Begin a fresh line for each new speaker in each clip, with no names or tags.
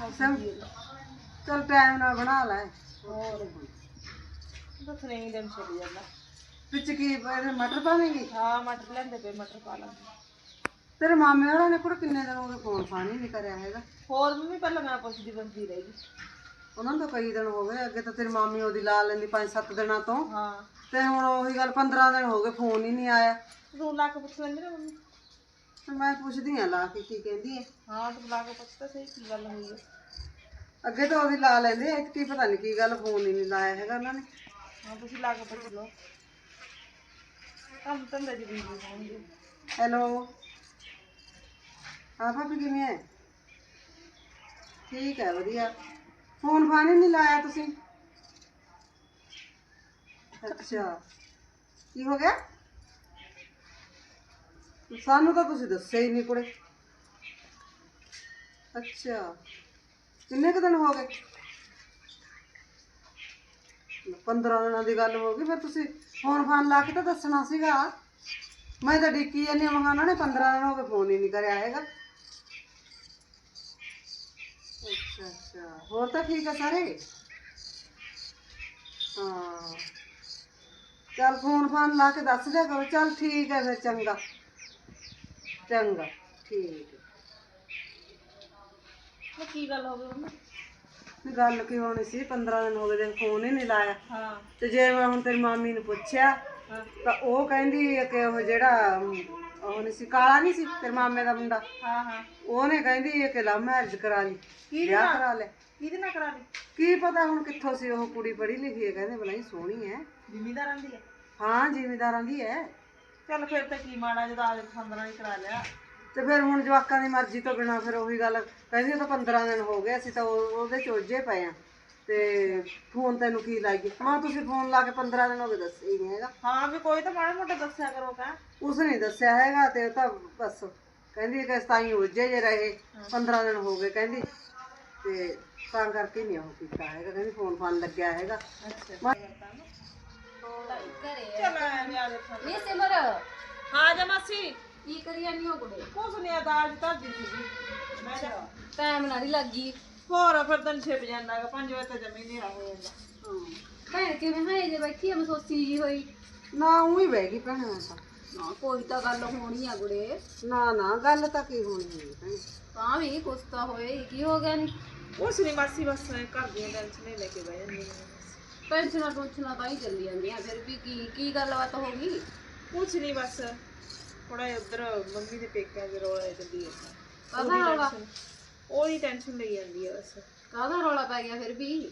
चल टाइम ना बना लै
और बस नहीं दिन चली जाता
बिच की मटर पावेंगी
हाँ मटर लेंदे पे मटर पा लांगे
तेरे मामे होरां ने कुड़ किन्ने दिन हो गए फोन फान ही नहीं करया हैगा
होर मम्मी पहले मैं पुछदी बंदी रही
ਉਹਨਾਂ ਤੋਂ ਕਈ ਦਿਨ ਹੋ ਗਏ ਅੱਗੇ ਤਾਂ ਤੇਰੀ ਮਾਮੀ ਉਹਦੀ ਲਾ ਲੈਂਦੀ 5-7 ਦਿਨਾਂ ਤੋਂ
हाँ
ਤੇ ਹੁਣ ਉਹੀ ਗੱਲ 15 ਦਿਨ ਹੋ ਗਏ ਫੋਨ ਹੀ ਨਹੀਂ ਆਇਆ
तू ला के पुछ लेंदे ना मम्मी
ਤੇ ਮੈਂ ਪੁੱਛਦੀ ਆ ਲਾ ਕੇ ਕੀ ਕਹਿੰਦੀ ਹੈ
हाँ तू ला के पुछ तो सही की गल हुई है
ਅੱਗੇ ਤਾਂ ਉਹਦੀ ਲਾ ਲੈਂਦੇ ਐ ਕੀ ਪਤਾ ਨਹੀਂ ਕੀ ਗੱਲ ਫੋਨ ਹੀ ਨਹੀਂ ਲਾਇਆ ਹੈਗਾ ਉਹਨਾਂ ਨੇ
हाँ तुसी ला के पुछ लो ਕੰਮ ਧੰਦੇ ਦੀ ਬਿਜ਼ੀ ਹੋਣਗੇ
ਹੈਲੋ ਹਾਂ ਭਾਬੀ ਕਿਵੇਂ ਹੈ ਠੀਕ ਹੈ ਵਧੀਆ ਫੋਨ ਫਾਨ ਹੀ ਨਹੀਂ ਲਾਇਆ ਤੁਸੀਂ ਅੱਛਾ ਕੀ ਹੋ ਗਿਆ ਸਾਨੂੰ ਤਾਂ ਤੁਸੀਂ ਦੱਸਿਆ ਹੀ ਨਹੀਂ ਕੁੜੇ ਅੱਛਾ ਕਿੰਨੇ ਕੁ ਦਿਨ ਹੋ ਗਏ 15 ਦਿਨਾਂ ਦੀ ਗੱਲ ਹੋ ਗਈ ਫਿਰ ਤੁਸੀਂ ਫੋਨ ਫਾਨ ਲਾ ਕੇ ਤਾਂ ਦੱਸਣਾ ਸੀਗਾ ਮੈਂ ਤਾਂ ਡਿੱਕੀ ਜਾਂਦੀ ਹਾਂ ਉਹਨਾਂ ਨੇ 15 ਦਿਨ ਹੋ ਗਏ ਫੋਨ ਹੀ ਨਹੀਂ ਕਰਿਆ ਹੈਗਾ ਅੱਛਾ ਅੱਛਾ ਹੋਰ ਤਾਂ ਠੀਕ ਆ ਸਾਰੇ ਹਾਂ ਚੱਲ ਫੋਨ ਫਾਨ ਲਾ ਕੇ ਦੱਸ ਦਿਆ ਕਰੋ ਚੱਲ ਠੀਕ ਹੈ ਫਿਰ ਚੰਗਾ ਚੰਗਾ ਠੀਕ ਹੈ
ਉਹ ਕੀ ਗੱਲ ਹੋ ਗਈ ਮੰਮੀ
ਨਹੀਂ ਗੱਲ ਕੀ ਹੋਣੀ ਸੀ 15 ਦਿਨ ਹੋ ਗਏ ਦਿਨ ਫੋਨ ਹੀ ਨਹੀਂ ਲਾਇਆ
ਹਾਂ
ਤੇ ਜੇ ਮੈਂ ਹੁਣ ਤੇਰੀ ਮਾਮੀ ਨੂੰ ਪੁੱਛਿਆ
ਹਾਂ
ਤਾਂ ਉਹ ਕਹਿੰਦੀ ਹੈ ਕਿ ਉਹ ਜਿਹੜਾ ਉਹ ਨਹੀਂ ਸੀ ਕਾਲਾ ਨਹੀਂ ਸੀ ਤੇਰੇ ਮਾਮੇ ਦਾ ਮੁੰਡਾ
ਹਾਂ ਹਾਂ
ਉਹਨੇ ਕਹਿੰਦੀ ਹੈ ਕਿ ਲਵ ਮੈਰਿਜ ਕਰਾ ਲਈ ਵਿਆਹ ਕਰਾ ਲੈ
ਕਿਹਦੇ ਨਾਲ ਕਰਾ ਲਈ
ਕੀ ਪਤਾ ਹੁਣ ਕਿੱਥੋਂ ਸੀ ਉਹ ਕੁੜੀ ਪੜ੍ਹੀ ਲਿਖੀ ਹੈ ਕਹਿੰਦੇ ਬਲਾਈ ਸੋਹਣੀ ਹੈ
ਜ਼ਿਮੀਦਾਰਾਂ ਦੀ ਹੈ
ਹਾਂ ਜ਼ਿਮੀਦਾਰਾਂ ਦੀ ਹੈ
ਚੱਲ ਫਿਰ ਤਾਂ ਕੀ ਮਾੜਾ ਜਦੋਂ ਆਲੇ ਪਸੰਦ ਨਾਲ ਹੀ ਕਰਾ ਲਿਆ
ਤੇ ਫਿਰ ਹੁਣ ਜਵਾਕਾਂ ਦੀ ਮਰਜ਼ੀ ਤੋਂ ਬਿਨਾ ਫਿਰ ਉਹੀ ਗੱਲ ਕਹਿੰਦੀ ਉਹ ਤਾਂ 15 ਦਿਨ ਹੋ ਗਏ ਅਸੀਂ ਤਾਂ ਉਹਦੇ ਚ ਉਲਝੇ ਪਏ ਆ ਤੇ ਫੋਨ ਤੈਨੂੰ ਕੀ ਲਾਈਏ ਮਾਂ ਤੁਸੀਂ ਫੋਨ ਲਾ ਕੇ 15 ਦਿਨ ਹੋ ਗਏ ਦੱਸਿਆ ਹੀ ਨਹੀਂ ਹੈਗਾ
ਹਾਂ ਵੀ ਕੋਈ ਤਾਂ ਮਾੜਾ ਮੋਟਾ ਦੱਸਿਆ ਕਰੋ ਕਾ
ਉਸ ਨੇ ਦੱਸਿਆ ਹੈਗਾ ਤੇ ਉਹ ਤਾਂ ਬਸ ਕਹਿੰਦੀ ਕਿ ਸਤਾਈ ਉਲਝੇ ਜੇ ਰਹੇ 15 ਦਿਨ ਹੋ ਗਏ ਕਹਿੰਦੀ ਤੇ ਤਾਂ ਕਰਕੇ ਨਹੀਂ ਉਹ ਕੀਤਾ ਹੈਗਾ ਕਹਿੰਦੀ ਫੋਨ ਫਾਨ ਲੱਗਿਆ ਹੈਗਾ
ਅੱਛਾ ਚੱਲ ਐਵੇਂ ਆ ਜਾ
ਨੀ ਸਿਮਰ
ਹਾਂ ਜਾ ਮਾਸੀ
ਕੀ ਕਰੀ ਜਾਂਦੀ ਹੋ ਕੁੜੇ
ਕੁਛ ਨਹੀਂ ਆ ਦਾਲ ਧਰਦੀ ਸੀਗੀ ਮੈਂ ਜਾ
ਟਾਈਮ ਨਾਲ ਹੀ ਲੱਗੀ
ਹੋਰ ਫਿਰ ਤਨ ਛਿਪ ਜਾਂਦਾਗਾ 5 ਵਜੇ ਤਾਂ ਜਮੀ ਨਹੀਂ ਹੋ ਜਾਂਦਾ
ਭੈਣ ਕਿਵੇਂ ਹੈ ਜੇ ਬੈਠੀ ਆ ਮਸੋਸੀ ਜੀ ਹੋਈ
ਨਾ ਉਹੀ ਬਹਿ ਗਈ ਭੈਣੇ ਮੈਂ ਤਾਂ
ਨਾ ਕੋਈ ਤਾਂ ਗੱਲ ਹੋਣੀ ਆ ਗੁੜੇ
ਨਾ ਨਾ ਗੱਲ ਤਾਂ ਕੀ ਹੋਣੀ ਹੈ ਭੈਣੇ
ਤਾਂ ਵੀ ਕੁਛ ਤਾਂ ਹੋਏ ਕੀ ਹੋ ਗਿਆ ਨੀ
ਕੁਛ ਨਹੀਂ ਮਾਸੀ ਬਸ ਘਰ ਦੀਆਂ ਟੈਨਸ਼ਨ ਲੈ ਕੇ ਬਹਿ ਜਾਂਦੀ
ਟੈਨਸ਼ਨਾਂ ਟੁਨਸ਼ਨਾਂ ਤਾਂ ਹੀ ਚੱਲੀ ਜਾਂਦੀਆਂ ਫਿਰ ਵੀ ਕੀ ਗੱਲਬਾਤ ਹੋ ਗਈ
ਕੁਛ ਨਹੀਂ ਬਸ ਥੋੜਾ ਉਧਰ ਮੰਮੀ ਦੇ ਪੇਕਿਆਂ ਦੇ ਰੋਲਾ ਚੱਲੀ ਜਾਂਦਾ
ਕਾਹਦਾ ਰੌਲਾ
ਉਹਦੀ ਟੈਨਸ਼ਨ ਲਈ ਜਾਂਦੀ ਆ ਬਸ
ਕਾਹਦਾ ਰੌਲਾ ਪੈ ਗਿਆ ਫਿਰ ਵੀ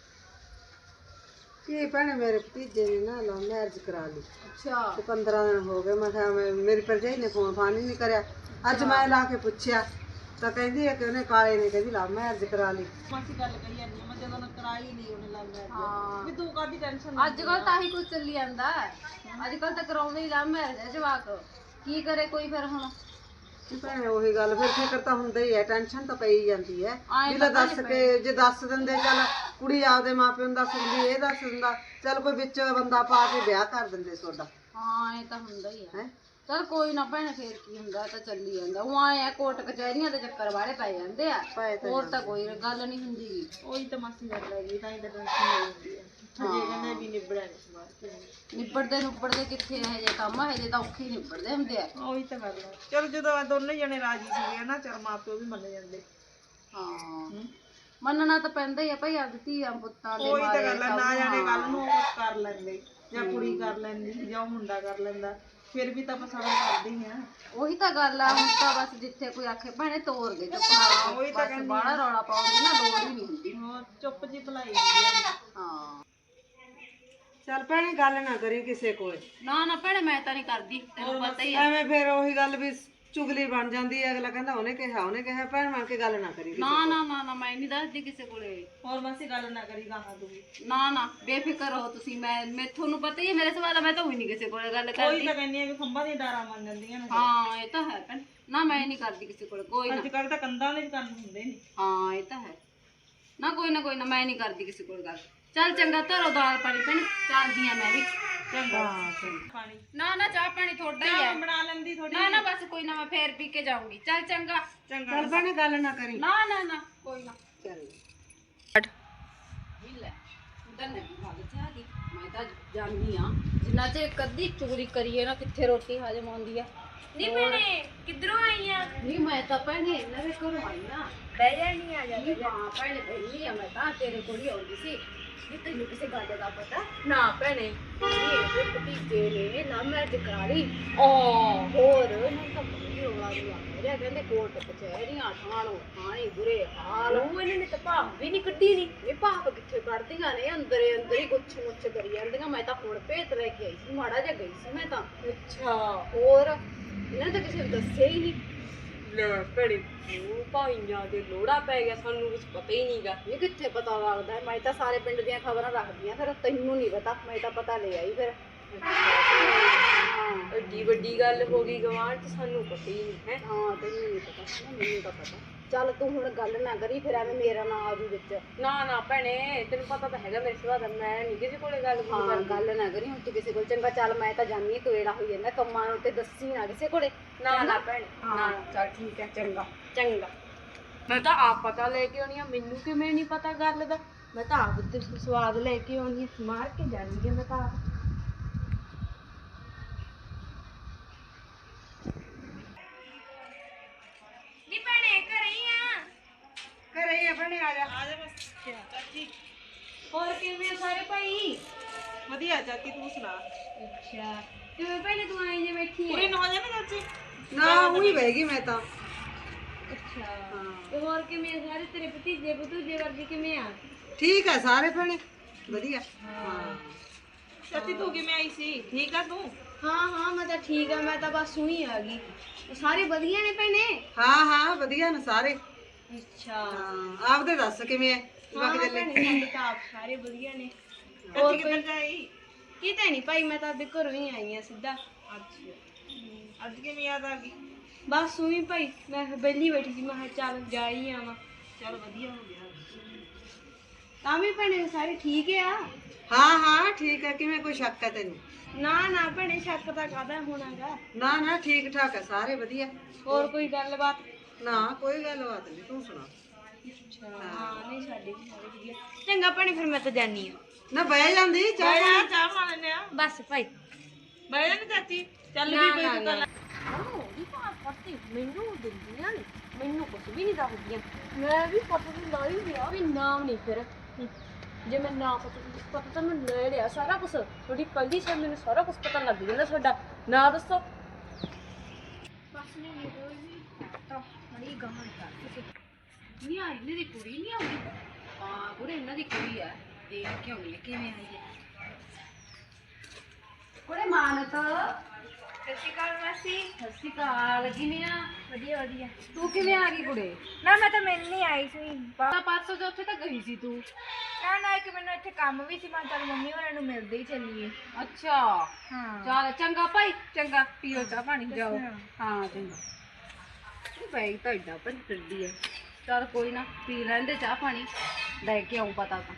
ਕੀ ਭੈਣੇ ਮੇਰੇ ਭਤੀਜੇ ਨੇ ਨਾ ਲਵ ਮੈਰਿਜ ਕਰਾ ਲਈ
ਅੱਛਾ
ਤੇ 15 ਦਿਨ ਹੋ ਗਏ ਮੈਂ ਕਿਹਾ ਮੇਰੀ ਭਰਜਾਈ ਨੇ ਫੋਨ ਫਾਨ ਹੀ ਨਹੀਂ ਕਰਿਆ ਅੱਜ ਮੈਂ ਲਾ ਕੇ ਪੁੱਛਿਆ ਤਾਂ ਕਹਿੰਦੀ ਹੈ ਕਿ ਉਹਨੇ ਕਾਲੇ ਨੇ ਕਹਿੰਦੀ ਲਵ ਮੈਰਿਜ ਕਰਾ ਲਈ
ਮਾਸੀ ਗੱਲ ਕਹੀ ਜਾਂਦੀ ਆ ਮੈਂ ਜਦੋਂ ਨਾ ਕਰਾਈ ਨਹੀਂ ਉਹਨੇ ਲੱਗ
ਹਾਂ
ਵੀ ਤੂੰ ਕਾਹਦੀ ਟੈਨਸ਼ਨ
ਅੱਜ ਕੱਲ ਤਾਂ ਹੀ ਕੁਝ ਚੱਲੀ ਜਾਂਦਾ ਅੱਜ ਕੱਲ ਤਾਂ ਕਰਾਉਂਦੇ ਹੀ ਲਾ ਮੈਰਿਜ ਜਵਾਕ ਕੀ ਕਰੇ ਕੋਈ ਫਿਰ ਹੁਣ
ਭੈਣੇ ਉਹੀ ਗੱਲ ਫਿਰ ਫਿਕਰ ਤਾਂ ਹੁੰਦਾ ਹੀ ਹੈ ਟੈਨਸ਼ਨ ਤਾਂ ਪਈ ਜਾਂਦੀ ਹੈ
ਆਏਂ
ਵੀ ਲੈ ਦੱਸ ਕੇ ਜੇ ਦੱਸ ਦਿੰਦੇ ਚੱਲ ਕੁੜੀ ਆਪਦੇ ਮਾਪਿਆਂ ਨੂੰ ਦੱਸ ਦਿੰਦੀ ਇਹ ਦੱਸ ਦਿੰਦਾ ਚੱਲ ਕੋਈ ਵਿੱਚ ਬੰਦਾ ਪਾ ਕੇ ਵਿਆਹ ਕਰ ਦਿੰਦੇ ਤੁਹਾਡਾ
ਹਾਂ ਇਹ ਤਾਂ ਹੁੰਦਾ ਹੀ ਆ
ਹੈ
ਚਲ ਕੋਈ ਨਾ ਭੈਣੇ ਫੇਰ ਕੀ ਹੁੰਦਾ ਤਾਂ ਚੱਲੀ ਜਾਂਦਾ ਉਹ ਆਏ ਆ ਕੋਰਟ ਕਚਹਿਰੀਆਂ ਦੇ ਚੱਕਰ ਵਾਲੇ ਪੈ ਜਾਂਦੇ ਆ
ਪਏ ਤਾਂ
ਹੋਰ ਤਾਂ ਕੋਈ ਗੱਲ ਨਹੀਂ ਹੁੰਦੀ
ਉਹੀ ਤਾਂ ਮਾਸੀ ਗੱਲ ਹੈਗੀ ਤਾਂ ਹੀ ਤਾਂ ਟੈਨਸ਼ਨ ਹੋ ਜਾਂਦੀ ਆ ਜੇ ਕਹਿੰਦੇ ਵੀ ਨਿਬੜਿਆ ਨਹੀਂ ਸਵਾਰ
ਨਿਬੜਦੇ ਕਿੱਥੇ ਇਹ ਜੇ ਕੰਮ ਇਹ ਜੇ ਤਾਂ ਔਖੇ ਹੀ ਨਿਬੜਦੇ ਹੁੰਦੇ ਆ
ਉਹੀ ਤਾਂ ਗੱਲ ਹੈ ਚਲ ਜਦੋਂ ਦੋਨੇ ਜਣੇ ਰਾਜੀ ਸੀਗੇ ਨਾ ਚਲ ਮਾਪਿਓ ਵੀ ਮੰਨ ਜਾਂਦੇ
ਹਾਂ ਮੰਨਣਾ ਤਾਂ ਪੈਂਦਾ ਹੀ ਆ ਭਾਈ ਅੱਜ ਧੀਆਂ ਪੁੱਤਾਂ ਦੇ
ਉਹੀ ਤਾਂ
ਮਾਰੇ
ਗੱਲ ਹੈ ਨਾ ਜਾਣੇ ਗੱਲ ਨੂੰ ਉਹ ਕਰ ਲੈਂਦੇ ਜਾਂ ਕੁੜੀ ਕਰ ਲੈਂਦੀ ਜਾਂ ਉਹ ਮੁੰਡਾ ਕਰ ਲੈਂਦਾ ਫਿਰ ਵੀ ਤਾਂ ਪਸੰਦ ਕਰਦੇ ਹੀ ਆ
ਉਹੀ ਤਾਂ ਗੱਲ ਆ ਹੁਣ ਤਾਂ ਬਸ ਜਿੱਥੇ ਕੋਈ ਆਖੇ ਭੈਣੇ ਤੋਰ ਦੇ ਚੁੱਪ
ਉਹੀ ਤਾਂ
ਬਸ ਬਾਹਲਾ ਰੌਲਾ ਪਾਉਣ ਦੀ ਨਾ ਲੋੜ ਹੀ ਨਹੀਂ ਹੁੰਦੀ
ਹੋਰ ਚੁੱਪ ਜੀ ਭਲਾਈ ਹੁੰਦੀ ਆ
ਹਾਂ
ਚੱਲ ਭੈਣੇ ਗੱਲ ਨਾ ਕਰੀ ਕਿਸੇ ਕੋਲ
ਨਾ ਨਾ ਭੈਣੇ ਮੈਂ ਤਾਂ ਨਹੀਂ ਕਰਦੀ ਤੈਨੂੰ ਪਤਾ ਹੀ ਆ
ਐਵੇਂ ਫਿਰ ਉਹੀ ਗੱਲ ਵੀ ਚੁਗਲੀ ਬਣ ਜਾਂਦੀ ਹੈ ਅਗਲਾ ਕਹਿੰਦਾ ਉਹਨੇ ਕਿਹਾ ਭੈਣ ਬਣ ਕੇ ਗੱਲ ਨਾ ਕਰੀ
ਨਾ ਮੈਂ ਨਹੀਂ ਦੱਸਦੀ ਕਿਸੇ ਕੋਲੇ
ਹੋਰ ਮਾਸੀ ਗੱਲ ਨਾ ਕਰੀ ਗਾਹਾਂ ਤੂੰ ਵੀ
ਨਾ ਬੇਫਿਕਰ ਰਹੋ ਤੁਸੀਂ ਮੈਂ ਤੁਹਾਨੂੰ ਪਤਾ ਹੀ ਹੈ ਮੇਰੇ ਸਵਾਲ ਮੈਂ ਤਾਂ ਹੋਈ ਨਹੀਂ ਕਿਸੇ ਕੋਲੇ ਗੱਲ ਕਰਦੀ
ਕੋਈ ਤਾਂ ਕਹਿੰਦੀ ਆ ਕਿ ਖੰਭਾਂ ਦੀਆਂ ਡਾਰਾਂ ਮੰਨ ਜਾਂਦੀਆਂ ਨੇ
ਹਾਂ ਇਹ ਤਾਂ ਹੈ ਭੈਣ ਨਾ ਮੈਂ ਨਹੀਂ ਕਰਦੀ ਕਿਸੇ ਕੋਲੇ ਕੋਈ ਨਾ
ਅੱਜ ਕੱਲ ਤਾਂ ਕੰਧਾਂ ਦੇ ਵੀ ਕੰਨ ਹੁੰਦੇ ਨੇ
ਹਾਂ ਇਹ ਤਾਂ ਹੈ ਨਾ ਕੋਈ ਨਾ ਮੈਂ ਨਹੀਂ ਕਰਦੀ ਕਿਸੇ ਕੋਲ ਗੱਲ ਚੱਲ ਚੰਗਾ ਧਰੋ ਦਾਲ ਪਾਣੀ ਭੈਣੇ, ਚੱਲਦੀ ਆ ਮੈਂ ਵੀ।
ਚੰਗਾ ਪਾਣੀ
ਨਾ ਨਾ ਚਾਹ ਪਾਣੀ ਥੋੜਾ ਹੀ
ਚਾਹ
ਹੈ।
ਬਣਾ ਲੈਂਦੀ ਥੋੜੀ
ਨਾ ਨਾ ਬਸ ਕੋਈ ਨਾ, ਮੈਂ ਫੇਰ ਪੀ ਕੇ ਜਾਊਂਗੀ। ਚੱਲ ਚੰਗਾ।
ਚੰਗਾ
ਚੱਲ ਭੈਣੇ ਗੱਲ ਨਾ ਕਰੀ।
ਨਾ ਨਾ ਨਾ ਕੋਈ ਨਾ।
ਚੱਲ
ਲੈ ਉਧਰ ਨੇ ਗੱਲ ਚਾਹ ਦੀ, ਮੈਂ ਤਾਂ ਜਾਣੀ ਆ ਜਿੰਨਾ ਚਿਰ ਕਦੀ ਚੋਰੀ ਕਰੀਏ ਨਾ ਕਿੱਥੇ ਰੋਟੀ ਹਜਮ ਆਉਂਦੀ ਆ।
ਨਹੀਂ ਭੈਣੇ ਕਿੱਧਰੋਂ ਆਈ ਆ?
ਨਹੀਂ ਮੈਂ ਤਾਂ ਭੈਣੇ ਇਹਨਾਂ ਦੇ ਘਰੋਂ ਆਈ ਨਾ।
ਬਹਿ ਜਾਣੀ ਆ ਜਾ
ਨਹੀਂ ਹਾਂ ਭੈਣੇ ਪਹਿਲੀ ਆ, ਮੈਂ ਤਾਂ ਤੇਰੇ ਕੋਲ ਹੀ ਆਉਂਦੀ ਸੀ। ਨਹੀਂ ਤੈਨੂੰ ਕਿਸੇ ਗੱਲ ਦਾ ਪਤਾ? ਨਾ ਭੈਣੇ ਇਹਦੇ ਭਤੀਜੇ ਨੇ ਨਾ ਮੈਰਿਜ ਕਰਾ ਲਈ। ਹੋਰ ਇਹਨਾਂ ਤਾਂ ਬੜੀ ਰੌਲਾ ਰੁਲਾ ਰਿਹਾ, ਕਹਿੰਦੇ ਕੋਰਟ ਕਚਹਿਰੀਆਂ ਠਾਣੋ ਠਾਣੀ ਬੁਰੇ ਹਾਲ। ਉਹ ਇਹਨਾਂ ਨੇ ਤਾਂ ਭਾਪ ਵੀ ਨਹੀਂ ਕੱਢੀ। ਨਹੀਂ ਇਹ ਭਾਪ ਕਿੱਥੇ ਕੱਢਦੀਆਂ ਨੇ, ਅੰਦਰੇ ਅੰਦਰ ਹੀ ਗੁੱਛ ਮੁੱਛ ਕਰੀ ਜਾਂਦੀਆਂ। ਮੈਂ ਤਾਂ ਹੁਣ ਭੇਤ ਲੈ ਕੇ ਆਈ ਸੀ, ਮਾੜਾ ਜਿਹਾ ਗਈ ਸੀ ਮੈਂ ਤਾਂ। ਅੱਛਾ ਹੋਰ ਇਹਨਾਂ ਤਾਂ ਕਿਸੇ ਨੂੰ ਦੱਸਿਆ ਹੀ ਨਹੀਂ।
ਲੈ ਭੈਣੇ ਉਹ ਭਾਈਆਂ ਦੇ ਲੋੜਾ ਪੈ ਗਿਆ, ਸਾਨੂੰ ਕੁਝ ਪਤਾ ਹੀ ਨਹੀਂਗਾ।
ਇਹ ਕਿੱਥੇ ਪਤਾ ਲੱਗਦਾ? ਮੈਂ ਤਾਂ ਸਾਰੇ ਪਿੰਡ ਦੀਆਂ ਖਬਰਾਂ ਰੱਖਦੀ ਆ, ਫਿਰ ਤੈਨੂੰ ਨਹੀਂ ਪਤਾ। ਮੈਂ ਤਾਂ ਪਤਾ ਲੈ ਆਈ ਫਿਰ। ਹਾਂ
ਐਡੀ ਵੱਡੀ ਗੱਲ ਹੋ ਗਈ ਗਵਾਂਢ ਚ, ਸਾਨੂੰ ਪਤਾ ਹੀ ਨਹੀਂ ਹੈ।
ਹਾਂ ਤੈਨੂੰ ਨਹੀਂ ਪਤਾ, ਮੈਨੂੰ ਤਾਂ ਪਤਾ। ਚੱਲ ਤੂੰ ਹੁਣ ਗੱਲ ਨਾ ਕਰੀ, ਫਿਰ ਐਵੇਂ ਮੇਰਾ ਨਾਂ ਆਜੂ ਵਿੱਚ।
ਨਾ ਨਾ ਭੈਣੇ ਤੈਨੂੰ ਪਤਾ ਤਾਂ ਹੈਗਾ ਮੇਰੇ ਸੁਭਾਅ ਦਾ, ਮੈਂ ਨਹੀਂ ਕਿਸੇ ਕੋਲੇ ਗੱਲ
ਹਾਂ ਗੱਲ ਨਾ ਕਰੀ ਹੁਣ ਤੂੰ ਕਿਸੇ ਕੋਲ। ਚੰਗਾ ਚੱਲ ਮੈਂ ਤਾਂ ਜਾਣੀ ਤੋੜਾ ਹੋਈ ਜਾਂਦਾ ਕੰਮਾਂ ਨੂੰ, ਤੇ ਦੱਸੀ ਨਾ ਕਿਸੇ ਕੋਲੇ।
ਨਾ ਨਾ ਭੈਣੇ
ਹਾਂ ਚੱਲ ਠੀਕ ਹੈ ਚੰਗਾ।
ਚੰਗਾ। ਮੈਂ ਤਾਂ ਆਪ ਪਤਾ ਲੈ ਕੇ ਆਉਣੀ ਆ, ਮੈਨੂੰ ਕਿਵੇਂ ਨਹੀਂ ਪਤਾ ਗੱਲ ਦਾ। ਮੈਂ ਤਾਂ ਆਪ ਤੇ ਸਵਾਦ ਲੈ ਕੇ ਆਉਣੀ ਆ, ਮਾਰ ਕੇ ਜਾਣੀ ਆ ਮੈਂ ਤਾਂ ਆਪ।
ਨਹੀਂ ਭੈਣੇ ਘਰੇ ਹੀ ਆ।
ਘਰੇ ਹੀ ਆ ਭੈਣੇ, ਆ ਜਾ।
ਆ ਜਾ ਬਸ ਚਾਚੀ।
ਹੋਰ ਕਿਵੇਂ ਆ ਸਾਰੇ ਭਾਈ?
ਵਧੀਆ ਚਾਚੀ ਤੂੰ ਸੁਣਾ।
ਅੱਛਾ ਕਿਵੇਂ ਭੈਣੇ ਤੂੰ ਆਈ ਜੇ ਬੈਠੀ
ਕੁੜੀ ਨੂੰ ਹੋ ਜਾਣਾ ਚਾਚੀ?
ਨਾ ਉਹੀ ਬਹਿ ਗਈ ਮੈਂ ਤਾਂ।
ਅੱਛਾ ਤੇ ਹੋਰ ਕਿਵੇਂ ਆ ਸਾਰੇ ਤੇਰੇ ਭਤੀਜੇ ਭਤੂਜੇ ਵਰਗੇ ਕਿਵੇਂ ਆ?
ਠੀਕ ਆ ਸਾਰੇ ਭੈਣੇ, ਵਧੀਆ। ਹਾਂ
ਚਾਚੀ ਤੂੰ ਕਿਵੇਂ ਆਈ ਸੀ? ਠੀਕ ਆ ਤੂੰ?
ਹਾਂ ਹਾਂ ਮੈਂ ਤਾਂ ਠੀਕ ਆ, ਮੈਂ ਤਾਂ ਬਸ ਉਹੀ ਆ ਗਈ। ਸਾਰੇ ਵਧੀਆ ਨੇ ਭੈਣੇ?
ਹਾਂ ਹਾਂ ਵਧੀਆ ਨੇ ਸਾਰੇ।
ਅੱਛਾ
ਹਾਂ ਆਪਦੇ ਦੱਸ ਕਿਵੇਂ ਐ? ਬਾਕੀ ਦੇ ਲੈ
ਤਾਂ ਆਪ ਸਾਰੇ ਵਧੀਆ ਨੇ।
ਚਾਚੀ ਕਿੱਧਰ ਜਾਈ?
ਕਿਤੇ ਨਹੀਂ ਭਾਈ, ਮੈਂ ਤਾਂ ਆਪਦੇ ਘਰੋਂ ਹੀ ਆਈ ਆ ਸਿੱਧਾ।
ਅੱਛਾ ਅੱਜ ਕਿਵੇਂ ਯਾਦ ਆ ਗਈ?
ਬਸ ਉਹੀ ਭਾਈ, ਮੈਂ ਬੈਲੀ ਬੈਠੀ ਸੀ, ਮੈਂ ਕਿਹਾ ਚੱਲ ਜਾ ਹੀ ਆਵਾਂ।
ਚਲ ਵਧੀਆ ਹੋ ਗਿਆ।
ਤਾਂ ਵੀ ਭੈਣੇ ਸਾਰੇ ਠੀਕ ਆ?
ਹਾਂ ਹਾਂ ਠੀਕ ਆ। ਕਿਵੇਂ ਕੋਈ ਸ਼ੱਕ ਹੈ ਤੈਨੂੰ?
ਨਾ ਨਾ ਭੈਣੇ ਸ਼ੱਕ ਤਾਂ ਕਾਹਦਾ ਹੋਣਾਗਾ।
ਨਾ ਨਾ ਠੀਕ ਠਾਕ ਆ ਸਾਰੇ ਵਧੀਆ।
ਹੋਰ ਕੋਈ ਗੱਲਬਾਤ?
ਨਾ ਕੋਈ ਗੱਲਬਾਤ ਨਹੀਂ, ਤੂੰ ਸੁਣਾ।
ਹਾਂ ਨਹੀਂ ਸਾਡੇ ਵੀ ਸਾਰੇ ਵਧੀਆ। ਚੰਗਾ ਭੈਣੇ ਫਿਰ ਮੈਂ ਤਾਂ ਜਾਨੀ ਆ।
ਨਾ ਬਹਿ ਜਾਂਦੀ ਚਾਹ ਪਾਣੀ।
ਚਾਹ ਬਣਾ ਲੈਨੇ ਆ।
ਬਸ ਭਾਈ।
ਬਹਿ ਜਾ ਨੀ ਚਾਚੀ। ਚੱਲ ਵੀ ਕੋਈ ਗੱਲ।
ਉਹਦੀ ਭਾਤ ਪੱਤੀ ਮੈਨੂੰ ਦਿੰਦੀਆਂ ਨੇ, ਮੈਨੂੰ ਕੁਝ ਵੀ ਨਹੀਂ ਦੱਸਦੀਆਂ। ਮੈਂ ਵੀ ਪਤਾ ਨਹੀਂ ਲਾਈ ਲਿਆ ਵੀ ਨਾਮ ਨਹੀਂ ਫਿਰ। ਜੇ ਮੈਂ ਨਾ ਪਤਾ ਤਾਂ ਮੈਂ ਲੈ ਲਿਆ ਸਾਰਾ ਕੁਝ। ਤੁਹਾਡੀ ਪਹਿਲੀ ਸਾਲ ਮੈਨੂੰ ਸਾਰਾ ਕੁਝ ਪਤਾ ਲੱਗ ਜਾਂਦਾ। ਤੁਹਾਡਾ ਨਾਂ ਦੱਸੋ। ਬਸ ਨਹੀਂ ਤਾਂ ਬੜੀ ਗਮਨ ਕਰ ਤੁਸੀਂ। ਨਹੀਂ ਆ ਇਹਨਾਂ ਦੀ ਕੁੜੀ ਨਹੀਂ ਆਉਂਦੀ। ਹਾਂ ਕੁੜੇ ਇਹਨਾਂ ਦੀ ਕੁੜੀ ਆ, ਦੇਖ ਕੇ ਆਉਣੀ ਕਿਵੇਂ ਆਈ ਹੈ। ਕੁੜੇ ਮਾਨਤ
ਸਤਿ ਸ਼੍ਰੀ ਅਕਾਲ ਮਾਸੀ।
ਸਤਿ ਸ਼੍ਰੀ ਅਕਾਲ। ਕਿਵੇਂ ਆ?
ਵਧੀਆ ਵਧੀਆ।
ਤੂੰ ਕਿਵੇਂ ਆ ਗਈ ਕੁੜੇ?
ਨਾ ਮੈਂ ਤਾਂ ਮਿਲਣ ਹੀ ਆਈ ਸੀ।
ਤਾਂ ਪਰਸੋਂ ਤੋਂ ਉੱਥੇ ਤਾਂ ਗਈ ਸੀ ਤੂੰ।
ਨਾ ਇੱਕ ਮੈਨੂੰ ਇੱਥੇ ਕੰਮ ਵੀ ਸੀ, ਮੈਂ ਚੱਲ ਮੰਮੀ ਹੋਰਾਂ ਨੂੰ ਮਿਲਦੇ ਹੀ ਚੱਲੀਏ।
ਅੱਛਾ
ਹਾਂ
ਚੱਲ ਚੰਗਾ ਭਾਈ, ਚੰਗਾ ਪੀਓ ਚਾਹ ਪਾਣੀ ਜਾਓ। ਹਾਂ ਚੰਗਾ। ਇਹ ਬੈਗ ਤਾਂ ਏਡਾ ਭਰੀ ਫਿਰਦੀ ਹੈ। ਚੱਲ ਕੋਈ ਨਾ ਪੀ ਲੈਂਦੇ ਚਾਹ ਪਾਣੀ, ਲੈ ਕੇ ਆਉਂ ਪਤਾ ਤਾਂ।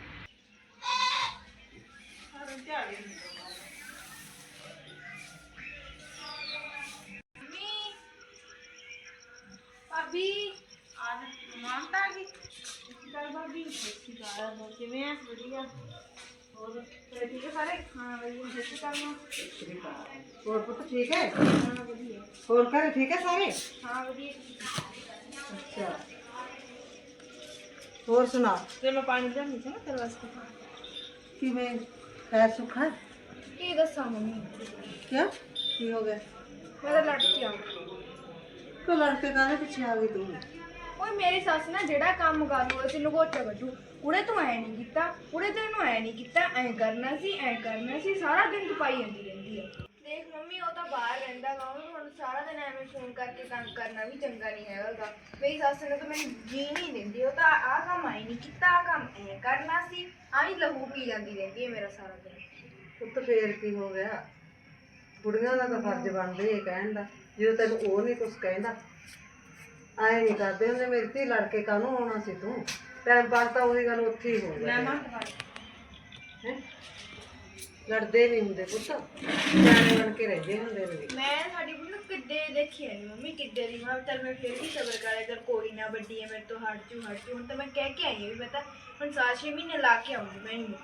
ਭਾਬੀ ਆ ਮਾਂ ਤਾਂ ਆ ਗਈ। ਚੱਲ ਭਾਬੀ ਹੋਰ ਕਿਵੇਂ ਆ? ਵਧੀਆ। ਹੋਰ ਤੇਰੇ ਠੀਕ ਆ ਸਾਰੇ? ਹਾਂ ਵਧੀਆ। ਸਤਿ ਸ਼੍ਰੀ ਅਕਾਲ ਮਾਂ।
ਹੋਰ ਪੁੱਤ ਠੀਕ ਹੈ?
ਹਾਂ ਵਧੀਆ।
ਹੋਰ ਘਰੇ ਠੀਕ ਹੈ ਸਾਰੇ?
ਹਾਂ ਵਧੀਆ।
ਅੱਛਾ ਹੋਰ ਸੁਣਾ।
ਤੇ ਮੈਂ ਪਾਣੀ ਲਿਆਉਣੀ ਸੀ ਨਾ ਤੇਰੇ ਵਾਸਤੇ।
ਕਿਵੇਂ ਖੈਰ ਸੁੱਖ ਹੈ?
ਕੀ ਦੱਸਾਂ ਮੰਮੀ,
ਕਿਆ ਕੀ ਹੋ ਗਿਆ?
ਮੈਂ ਤਾਂ ਲੜ ਕੇ ਆ।
ਕੋ ਲੜਕੇ ਕਾਹਦੇ ਪਿੱਛੇ ਆ ਗਈ ਤੂੰ?
ਓਏ ਮੇਰੀ ਸੱਸ ਨਾ ਜਿਹੜਾ ਕੰਮ ਕਰ ਹੋਏ ਤੈਨੂੰ ਗੋਚਾ ਕੱਢੂ। ਕੁੜੇ ਤੂੰ ਐ ਨਹੀਂ ਕੀਤਾ, ਕੁੜੇ ਤੈਨੂੰ ਐ ਨਹੀਂ ਕੀਤਾ, ਐ ਕਰਨਾ ਸੀ, ਸਾਰਾ ਦਿਨ ਤਪਾਈ ਜਾਂਦੀ ਰਹਿੰਦੀ ਆ। ਦੇਖ ਮੰਮੀ ਉਹ ਤਾਂ ਬਾਹਰ ਰਹਿੰਦਾ ਗਾ, ਉਹਨੂੰ ਹੁਣ ਸਾਰਾ ਦਿਨ ਐਵੇਂ ਫੋਨ ਕਰਕੇ ਤੰਗ ਕਰਨਾ ਵੀ ਚੰਗਾ ਨਹੀਂ ਹੈਗਾ। ਮੇਰੀ ਸੱਸ ਨੇ ਤਾਂ ਮੈਨੂੰ ਜੀ ਨਹੀਂ ਦਿੰਦੀ। ਉਹ ਤਾਂ ਆਹ ਕੰਮ ਐ ਨਹੀਂ ਕੀਤਾ, ਆਹ ਕੰਮ ਐ ਕਰਨਾ ਸੀ, ਆਹੀ ਲਹੂ ਪੀ ਜਾਂਦੀ ਰਹਿੰਦੀ ਹੈ ਮੇਰਾ ਸਾਰਾ ਦਿਨ।
ਪੁੱਤ ਫੇਰ ਕੀ ਹੋ ਗਿਆ? ਕੁੜੀਆਂ ਦਾ ਤਾਂ ਫਰਜ਼ ਬਣਦਾ ਇਹ ਕਹਿਣ ਦਾ, ਜਦੋਂ ਤੈਨੂੰ ਉਹ ਨਹੀਂ ਕੁਛ ਕਹਿੰਦਾ। ਐਂ ਨਹੀਂ ਕਰਦੇ ਹੁੰਦੇ, ਮੇਰੀ ਧੀ ਲੜ ਕੇ ਕਾਹਨੂੰ ਆਉਣਾ ਸੀ ਤੂੰ? ਟਾਈਮ ਪਾਸ ਤਾਂ ਉਹੀ ਗੱਲ ਉੱਥੇ ਹੀ ਹੋ ਗਿਆ। ਹੈ ਲੜਦੇ ਨਹੀਂ ਹੁੰਦੇ ਪੁੱਤ, ਸਿਆਣੇ ਬਣ ਕੇ ਰਹਿੰਦੇ ਹੁੰਦੇ ਨੇ।
ਮੈਂ ਸਾਡੀ ਬੁੱਢੀ ਕਿੱਡੇ ਦੇਖੀ ਨਹੀਂ ਮੰਮੀ ਕਿੱਡੇ ਦੀ। ਮੈਂ ਚੱਲ ਮੈਂ ਫਿਰ ਵੀ ਸਬਰ ਕਰਿਆ ਕਰ, ਕੋਈ ਨਾ ਵੱਡੀ ਹੈ ਮੇਰੇ ਤੋਂ ਹਟ ਜੂ। ਹੁਣ ਤਾਂ ਮੈਂ ਕਹਿ ਕੇ ਆਈ ਹਾਂ ਵੀ ਮੈਂ ਤਾਂ ਹੁਣ 6 ਮਹੀਨੇ ਲਾ ਕੇ ਆਉਂਗੀ ਮੈਂ ਇਹਨੂੰ।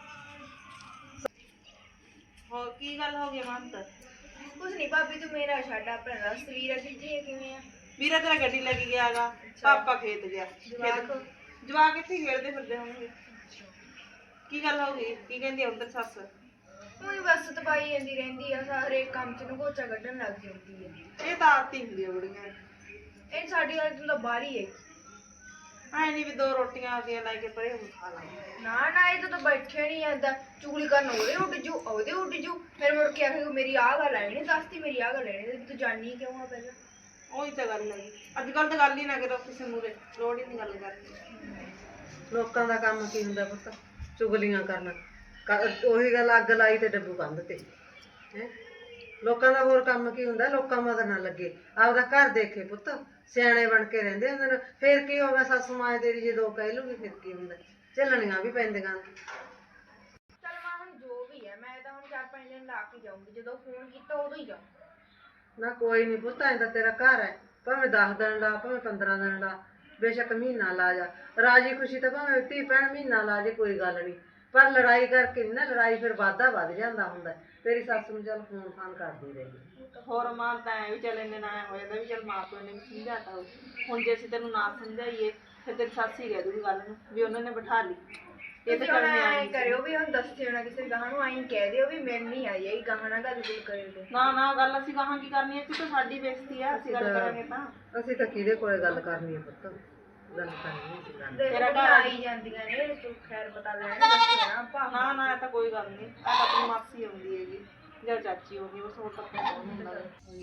ਹੋਰ ਕੀ ਗੱਲ ਹੋ ਗਈ ਮਨ ਤਾਂ?
ਕੁਛ ਨਹੀਂ ਭਾਬੀ ਤੂੰ ਮੇਰਾ ਛੱਡ ਆਪਣਾ ਰਸਤ ਵੀਰਾ ਕਿੱਥੇ ਕਿਵੇਂ ਆ?
ਵੀਰਾ ਤੇਰਾ ਗੱਡੀ ਲੈ ਕੇ ਗਿਆਗਾ, ਪਾਪਾ ਖੇਤ ਗਿਆ।
ਜਵਾਕ
ਜਵਾਕ ਇੱਥੇ ਖੇਡਦੇ ਫਿਰਦੇ ਹੋਣਗੇ। ਕੀ ਗੱਲ ਹੋ ਗਈ? ਕੀ ਕਹਿੰਦੀ ਉਧਰ ਸੱਸ?
ਉਹੀ ਬਸ ਤਪਾਈ ਜਾਂਦੀ ਰਹਿੰਦੀ ਆ, ਸਾਰੇ ਕੰਮ ਚ ਨਗੋਚਾ ਕੱਢਣ ਲੱਗ ਜਾਂਦੀ ਹੈ।
ਇਹ ਤਾਂ ਆਦਤ ਹੀ ਹੁੰਦੀ ਆ ਬੁੜੀਆਂ ਦੀ।
ਇਹ ਸਾਡੀ ਗੱਲ ਤੋਂ ਤਾਂ ਬਾਹਰ ਹੀ ਹੈ।
ਐ ਨਹੀਂ ਵੀ 2 ਰੋਟੀਆਂ ਆ ਕੇ ਲੈ ਕੇ ਪਰੇ ਹੁਣ ਖਾ ਲਾ।
ਨਾ ਨਾ ਇਹ ਤਾਂ ਬੈਠੇ ਨਹੀਂ ਜਾਂਦਾ, ਚੁਗਲੀ ਕਰਨ ਉਹਦੇ ਉੱਡ ਜੂ ਉਹਦੇ ਉੱਡ ਜੂ, ਫਿਰ ਮੁੜ ਕੇ ਆਖੇ ਮੇਰੀ ਆਹ ਗੱਲ ਆਈ ਨਹੀਂ ਦੱਸਤੀ, ਮੇਰੀ ਆਹ ਗੱਲ ਆਈ ਤੂੰ ਜਾਣੀ ਕਿਉਂ ਆ ਪਹਿਲਾਂ?
ਉਹੀ ਤਾਂ ਗੱਲ ਹੈ। ਅੱਜ ਕੱਲ ਤਾਂ ਗੱਲ ਹੀ ਨਾ ਕਰੋ ਕਿਸੇ ਮੂਰੇ, ਲੋੜ ਹੀ ਨਹੀਂ ਗੱਲ ਕਰਨੀ।
ਲੋਕਾਂ ਦਾ ਕੰਮ ਕੀ ਹੁੰਦਾ ਪੁੱਤ? ਚੁਗਲੀਆਂ ਕਰਨਾ। ਉਹੀ ਗੱਲ, ਅੱਗ ਲਾਈ ਤੇ ਡੱਬੂ ਕੰਧ ਤੇ ਹੈ। ਲੋਕਾਂ ਦਾ ਹੋਰ ਕੰਮ ਕੀ ਹੁੰਦਾ? ਲੋਕਾਂ ਮਗਰ ਨਾ ਲੱਗੇ, ਆਪਦਾ ਘਰ ਦੇਖੇ ਪੁੱਤ। ਸਿਆਣੇ ਬਣ ਕੇ ਰਹਿੰਦੇ ਹੁੰਦੇ ਨੇ। ਫਿਰ ਕੀ ਹੋਗਾ, ਸੱਸ ਮਾਂ ਤੇਰੀ ਜੇ 2 ਕਹਿ ਲੂਗੀ ਫਿਰ ਕੀ ਹੁੰਦਾ? ਝੱਲਣੀਆਂ ਵੀ ਪੈਂਦੀਆਂ।
ਚੱਲ ਮਾਂ ਹੁਣ ਜੋ ਵੀ ਹੈ, ਮੈਂ ਤਾਂ ਹੁਣ 4-5 ਦਿਨ ਲਾ ਕੇ ਜਾਊਂਗੀ, ਜਦੋਂ ਫੋਨ ਕੀਤਾ ਉਦੋਂ ਹੀ ਜਾਊਂ।
ਨਾ ਕੋਈ ਨਹੀਂ ਪੁੱਤ, ਐਂ ਤਾਂ ਤੇਰਾ ਘਰ ਹੈ, ਭਾਵੇਂ 10 ਦਿਨ ਲਾ, ਭਾਵੇਂ 15 ਦਿਨ ਲਾ, ਬੇਸ਼ੱਕ ਮਹੀਨਾ ਲਾ ਜਾ। ਰਾਜੀ ਖੁਸ਼ੀ ਤਾਂ ਭਾਵੇਂ ਧੀ ਭੈਣ ਮਹੀਨਾ ਲਾ ਜੇ, ਕੋਈ ਗੱਲ ਨਹੀਂ। ਪਰ ਲੜਾਈ ਕਰਕੇ ਨਹੀਂ ਨਾ, ਲੜਾਈ ਫਿਰ ਵਾਧਾ ਵੱਧ ਜਾਂਦਾ ਹੁੰਦਾ। ਤੇਰੀ ਸੱਸ ਨੂੰ ਚੱਲ ਫੋਨ ਫਾਨ ਕਰਦੀ ਰਹੀ।
ਹੋਰ ਮਾਂ ਤਾਂ ਐ ਵੀ ਚੱਲ ਇੰਨੇ ਨਾ ਹੋ ਜਾਂਦਾ ਵੀ ਚੱਲ ਮਾਂ ਪਿਓ ਨੇ ਵੀ ਸਮਝਾਤਾ ਹੋਊ। ਹੁਣ ਜੇ ਅਸੀਂ ਤੈਨੂੰ ਨਾ ਸਮਝਾਈਏ ਫਿਰ ਤੇਰੀ ਸੱਸ ਹੀ ਕਹਿ ਦੂਗੀ ਗੱਲ ਨੂੰ ਵੀ ਉਹਨਾਂ ਨੇ ਬਿਠਾ ਲਈ। ਇਹ ਤਾਂ ਚੱਲ
ਐਂ
ਨਿਆਣੀ
ਕਰਿਓ ਵੀ ਹੁਣ ਦੱਸਿਓ ਨਾ ਕਿਸੇ ਗਾਹਾਂ ਨੂੰ, ਐਂ ਕਹਿ ਦਿਓ ਵੀ ਮੈਂ ਨਹੀਂ ਆਈ ਹੈਗੀ, ਗਾਹਾਂ ਨਾਲ ਗੱਲ ਗੁੱਲ ਕਰਿਓ ਤੇ।
ਨਾ ਨਾ ਗੱਲ ਅਸੀਂ ਕਹਾਂ ਕੀ ਕਰਨੀ ਹੈ? ਤਾਂ ਸਾਡੀ ਬੇਇੱਜ਼ਤੀ ਆ, ਅਸੀਂ ਗੱਲ ਕਰਾਂਗੇ ਤਾਂ।
ਅਸੀਂ ਤਾਂ ਕਿਹਦੇ ਕੋਲੇ ਗੱਲ ਕਰਨੀ ਹੈ ਪੁੱਤ? ਗੱਲ ਕਰਨੀ ਸੀ ਗੱਲ।
ਤੇਰਾ ਘਰ ਆਈ ਜਾਂਦੀਆਂ ਨੇ, ਤੂੰ ਖੈਰ ਪਤਾ ਲੈਣ ਦੱਸਿਓ ਨਾ ਆਪਾਂ।
ਨਾ ਨਾ ਇਹ ਤਾਂ ਕੋਈ ਗੱਲ ਨਹੀਂ। ਇਹ ਤਾਂ ਆਪਣੀ ਮਾਸੀ ਆਉਂਦੀ ਹੈਗੀ ਜਾਂ ਚਾਚੀ ਆਉਂਦੀ, ਬਸ ਹੋਰ ਤਾਂ ਕੋਈ ਹੁੰਦਾ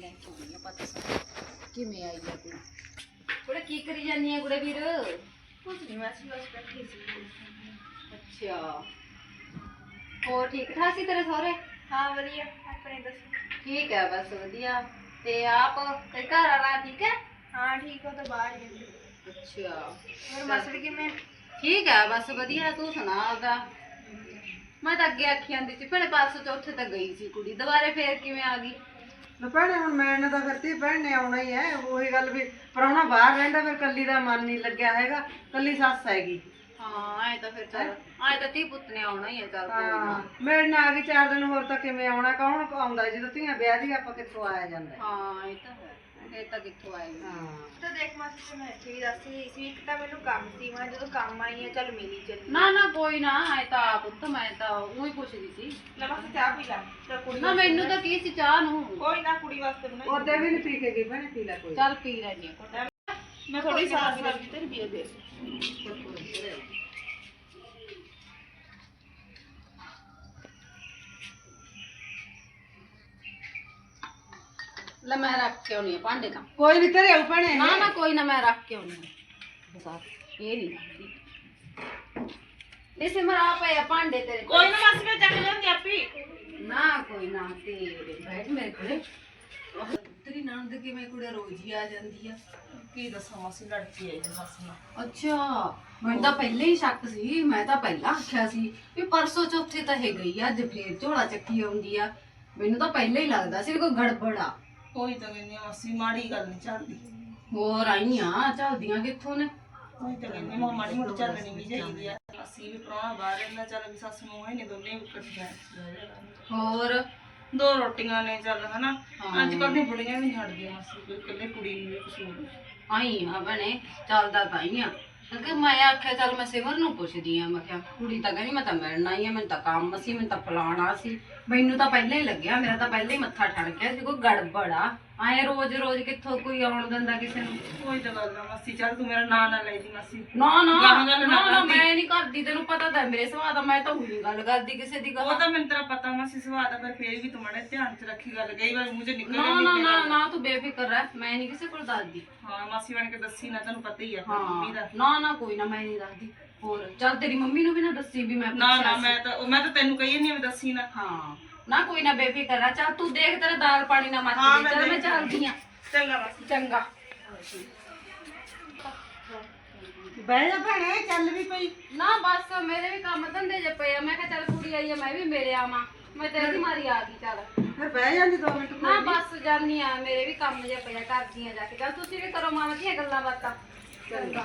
ਕਿਵੇਂ ਆਈ ਆ ਕੁੜੀ?
ਕੁੜੇ ਕੀ ਕਰੀ ਜਾਂਦੀ ਹੈ ਕੁੜੇ ਵੀਰ?
ਕੁਛ ਨਹੀਂ, ਮੈਂ ਬਸ ਬੈਠੀ ਸੀ।
ਅੱਛਾ, ਹੋਰ ਠੀਕ ਠਾਕ ਸੀ ਤੇਰੇ ਸਹੁਰੇ?
ਹਾਂ ਵਧੀਆ, ਆਪਣੇ ਦੱਸੋ।
ਠੀਕ ਹੈ, ਬਸ ਵਧੀਆ। ਤੇ ਆਪ ਤੇ ਘਰ ਵਾਲਾ ਠੀਕ ਹੈ?
ਹਾਂ ਠੀਕ ਹੋ ਤਾਂ ਬਾਹਰ ਹੀ।
ਅੱਛਾ,
ਹੋਰ ਮਸੜ ਕਿਵੇਂ?
ਠੀਕ ਹੈ, ਬਸ ਵਧੀਆ। ਤੂੰ ਸੁਣਾ ਆਪਦਾ? ਮੈਂ ਤਾਂ ਅੱਗੇ ਆਖੀ ਜਾਂਦੀ ਸੀ ਭੈਣੇ, ਪਰਸੋਂ ਚੌਥੇ ਤਾਂ ਗਈ ਸੀ ਕੁੜੀ, ਦੁਬਾਰੇ ਫੇਰ ਕਿਵੇਂ ਆ ਗਈ?
ਨਾ ਭੈਣੇ ਹੁਣ ਮੈਨੇ ਤਾਂ ਫਿਰ ਧੀ ਭੈਣ ਨੇ ਆਉਣਾ ਹੀ ਹੈ। ਉਹੀ ਗੱਲ ਵੀ ਪ੍ਰਾਹੁਣਾ ਬਾਹਰ ਰਹਿੰਦਾ, ਫਿਰ ਕੱਲੀ ਦਾ ਮਨ ਨਹੀਂ ਲੱਗਿਆ ਹੈਗਾ, ਕੱਲੀ ਸੱਸ ਹੈਗੀ।
ਹਾਂ ਐ ਤਾਂ ਫਿਰ ਚੱਲ, ਐ ਤਾਂ ਧੀ ਪੁੱਤ ਨੇ ਆਉਣਾ ਹੀ ਹੈ। ਚੱਲ ਕੋਈ
ਹਾਂ
ਨਾ।
ਮੇਰੇ ਨਾਲ ਆ ਗਈ 4 ਦਿਨ ਹੋਰ, ਤਾਂ ਕਿਵੇਂ ਆਉਣਾ? ਕੌਣ ਆਉਂਦਾ ਜਦੋਂ ਧੀਆਂ ਵਿਆਹ ਦੀ, ਆਪਾਂ ਕਿੱਥੋਂ ਆਇਆ ਜਾਂਦਾ?
ਹਾਂ ਇਹ ਤਾਂ ਹੈ, ਇਹ ਤਾਂ ਕਿੱਥੋਂ ਆਏਗੀ।
ਹਾਂ
ਤਾਂ ਦੇਖ ਮਾਸੀ ਤੇ ਮੈਂ ਇੱਥੇ ਵੀ ਦੱਸ ਰਹੀ ਸੀ, ਇੱਕ ਤਾਂ ਮੈਨੂੰ ਕੰਮ ਸੀ, ਮੈਂ ਜਦੋਂ ਕੰਮ ਆਈ ਆ ਚੱਲ ਮਿਲੀ ਚੱਲੀ।
ਨਾ ਨਾ ਕੋਈ ਨਾ, ਐ ਤਾਂ ਪੁੱਤ ਮੈਂ ਤਾਂ ਉਹੀ ਪੁੱਛਦੀ ਸੀ।
ਲੈ ਬਸ ਚਾਹ ਪੀ ਲੈ। ਚੱਲ ਕੁੜੀ
ਨਾ ਮੈਨੂੰ ਤਾਂ ਕੀ ਸੀ ਚਾਹ ਨੂੰ।
ਕੋਈ ਨਾ, ਕੁੜੀ ਵਾਸਤੇ ਬਣਾਈ।
ਉਹਦੇ ਵੀ ਨਹੀਂ ਪੀ ਕੇ ਗਈ ਭੈਣੇ, ਪੀ ਲੈ ਕੋਈ।
ਚੱਲ ਪੀ ਲੈਣੀ ਆ।
ਮੈਂ ਥੋੜੀ ਸਾਸ ਲੱਗੀ ਤੇਰੀ ਪੀਏ ਦੇ।
ਲੈ ਮੈਂ ਰੱਖ ਕੇ ਆਉਣੀ ਆ ਭਾਂਡੇ ਤਾਂ।
ਕੋਈ ਨਹੀਂ ਤੇਰੇ ਆਉ ਭੈਣੇ।
ਨਾ ਨਾ ਕੋਈ ਨਾ, ਮੈਂ ਰੱਖ ਕੇ ਆਉਣੀ ਆ। ਬਤਾ ਇਹ ਨਹੀਂ ਰੱਖਦੀ। ਇਹ ਸਿਮਰ ਆ ਪਏ ਆ ਭਾਂਡੇ ਤੇਰੇ ਕੋਲ।
ਕੋਈ ਨਾ ਬਸ ਮੈਂ ਚੱਕ ਜਾਂਦੀ ਆਪੀ।
ਨਾ ਕੋਈ ਨਾ, ਤੇ ਬੈਠ ਮੇਰੇ ਕੋਲੇ। ਤੇਰੀ ਨਣਦ ਕਿਵੇਂ ਕੁੜੇ ਰੋਜ਼ ਹੀ ਆ ਜਾਂਦੀ ਆ?
ਕੀ ਦੱਸਾਂ ਮਾਸੀ, ਲੜਕੀ ਆਈ ਜੀ ਸੱਸ ਨਾਲ।
ਅੱਛਾ, ਮੈਨੂੰ ਤਾਂ ਪਹਿਲੇ ਹੀ ਸ਼ੱਕ ਸੀ। ਮੈਂ ਤਾਂ ਪਹਿਲਾਂ ਆਖਿਆ ਸੀ ਵੀ ਪਰਸੋਂ ਚੌਥੇ ਤਾਂ ਇਹ ਗਈ ਆ, ਅੱਜ ਫੇਰ ਝੋਲਾ ਚੱਕੀ ਆਉਂਦੀ ਆ। ਮੈਨੂੰ ਤਾਂ ਪਹਿਲਾਂ ਹੀ ਲੱਗਦਾ ਸੀ ਕੋਈ ਗੜਬੜ ਆ।
ਕੋਈ ਤਾਂ ਕਹਿੰਦੀ ਆ ਮਾਸੀ, ਮਾੜੀ ਗੱਲ ਨਹੀਂ ਚੱਲਦੀ।
ਹੋਰ ਆਈਆਂ ਚੱਲਦੀਆਂ ਕਿੱਥੋਂ ਨੇ?
ਕੋਈ ਤਾਂ ਕਹਿੰਦੀ ਮਾਂ ਮਾੜੀ ਮੋਟੀ ਚੱਲਣੀ ਵੀ ਚਾਹੀਦੀ ਆ। ਅਸੀਂ ਵੀ ਪ੍ਰਾਹੁਣਾ ਬਾਹਰ ਰਹਿੰਦਾ, ਚੱਲ ਵੀ ਸੱਸ ਨੂੰ ਹੈ ਨੇ ਦੋਨੇ ਇਕੱਠੀਆਂ।
ਹੋਰ
2 ਰੋਟੀਆਂ ਨੇ ਚੱਲ ਹਨਾ।
ਹਾਂ।
ਅੱਜ ਕੱਲ੍ਹ ਦੀਆਂ ਬੁੜੀਆਂ ਵੀ ਨਹੀਂ ਹਟਦੀਆਂ ਮਾਸੀ, ਕੋਈ ਇਕੱਲੇ ਕੁੜੀ ਨੂੰ ਵੀ ਕਸੂਰ।
ਆਈ ਆ ਭੈਣੇ, ਚੱਲਦਾ ਤਾਂ ਹੀ ਆ। ਕਿਉਂਕਿ ਮੈਂ ਆਖਿਆ ਚੱਲ ਮੈਂ ਸਿਮਰ ਨੂੰ ਪੁੱਛਦੀ ਆ। ਮੈਂ ਕਿਹਾ ਕੁੜੀ ਤਾਂ ਕਹਿੰਦੀ ਮੈਂ ਤਾਂ ਮਿਲਣ ਆਈ ਆ, ਮੈਨੂੰ ਤਾਂ ਕੰਮ ਸੀ, ਮੈਨੂੰ ਤਾਂ ਫਲਾਣਾ ਸੀ। ਮੈਨੂੰ ਤਾਂ ਪਹਿਲਾਂ ਹੀ ਲੱਗਿਆ, ਮੇਰਾ ਤਾਂ ਪਹਿਲਾਂ ਹੀ ਮੱਥਾ ਠਣ ਗਿਆ ਸੀ ਕੋਈ ਗੜਬੜ ਆ। ਆਏ ਰੋਜ਼ ਰੋਜ਼ ਕਿੱਥੋਂ ਕੋਈ ਆਉਣ ਦਿੰਦਾ ਕਿਸੇ ਨੂੰ?
ਕੋਈ ਤਾਂ ਗੱਲ ਆ ਮਾਸੀ, ਚੱਲ ਤੂੰ ਮੇਰਾ ਨਾਂ ਨਾ ਲੈ ਜੀ ਮਾਸੀ।
ਨਾ ਨਾ
ਗਾਹਾਂ ਗੱਲ ਨਾ
ਨਾ,
ਕਰਦੀ।
ਮੈਂ ਨਹੀਂ ਕਰਦੀ, ਤੈਨੂੰ ਪਤਾ ਤਾਂ ਮੇਰੇ ਸੁਭਾਅ ਦਾ। ਮੈਂ ਤਾਂ ਉਹੀ ਗੱਲ ਕਰਦੀ ਕਿਸੇ ਦੀ
ਉਹ
ਗੱਲ।
ਤਾਂ ਮੈਨੂੰ ਤੇਰਾ ਪਤਾ ਮਾਸੀ ਸੁਭਾਅ ਦਾ, ਪਰ ਫੇਰ ਵੀ ਤੂੰ ਮਾੜਾ ਧਿਆਨ ਚ ਰੱਖੀ ਗੱਲ। ਕਈ ਵਾਰ ਮੂੰਹ ਚ ਨਿਕਲ
ਨਾ
ਜਾਂਦੀ
ਨਾ
ਹੈ
ਨਾ
ਗੱਲ।
ਨਾ, ਤੂੰ ਬੇਫਿਕਰ ਰਹਿ, ਮੈਂ ਨਹੀਂ ਕਿਸੇ ਕੋਲ ਦੱਸਦੀ।
ਹਾਂ ਮਾਸੀ ਬਣ ਕੇ ਦੱਸੀ ਨਾ, ਤੈਨੂੰ ਪਤਾ ਹੀ ਆ ਫਿਰ ਮੰਮੀ ਦਾ।
ਹਾਂ ਨਾ ਨਾ ਕੋਈ ਨਾ, ਮੈਂ ਨਹੀਂ ਦੱਸਦੀ। ਹੋਰ ਚੱਲ ਤੇਰੀ ਮੰਮੀ ਨੂੰ ਵੀ ਨਾ ਦੱਸੀ ਵੀ ਮੈਂ
ਨਾ
ਪੁੱਛਿਆ
ਨਾ,
ਸੀ।
ਮੈਂ ਤਾਂ ਤੈਨੂੰ ਕਹੀ ਨਹੀਂ, ਮੈਂ ਦੱਸੀ ਨਾ।
ਹਾਂ ਨਾ ਕੋਈ ਨਾ, ਬੇਫਿਕਰ ਆ। ਚੱਲ ਤੂੰ ਦੇਖ ਤੇਰਾ ਦਾਲ ਪਾਣੀ ਨਾ ਮੱਚ
ਹਾਂ,
ਜੇ। ਚੱਲ ਮੈਂ
ਦੇਖ
ਚੱਲਦੀ ਆ।
ਚੰਗਾ ਮਾਸੀ।
ਚੰਗਾ।
ਬਹਿ ਜਾ ਭੈਣੇ, ਚੱਲ ਵੀ ਪਈ।
ਨਾ ਬਸ ਮੇਰੇ ਵੀ ਕੰਮ ਧੰਦੇ ਜੇ ਪਏ ਆ, ਮੈਂ ਕਿਹਾ ਚੱਲ ਕੁੜੀ ਆਈ ਆ ਮੈਂ ਵੀ ਮੇਰੇ ਆਵਾਂ, ਮੈਂ ਤੇ ਇਹਦੀ ਮਾਰੀ ਆ ਗਈ ਚੱਲ।
ਫਿਰ ਬਹਿ ਜਾਂਦੀ 2 ਮਿੰਟ।
ਨਾ ਬਸ ਜਾਨੀ ਆ, ਮੇਰੇ ਵੀ ਕੰਮ ਜੇ ਪਏ ਆ ਕਰਦੀਆਂ ਜਾ ਕੇ, ਚੱਲ ਤੁਸੀਂ ਵੀ ਕਰੋ ਮਾਵਾਂ ਦੀਆਂ ਗੱਲਾਂ ਬਾਤਾਂ। ਚੰਗਾ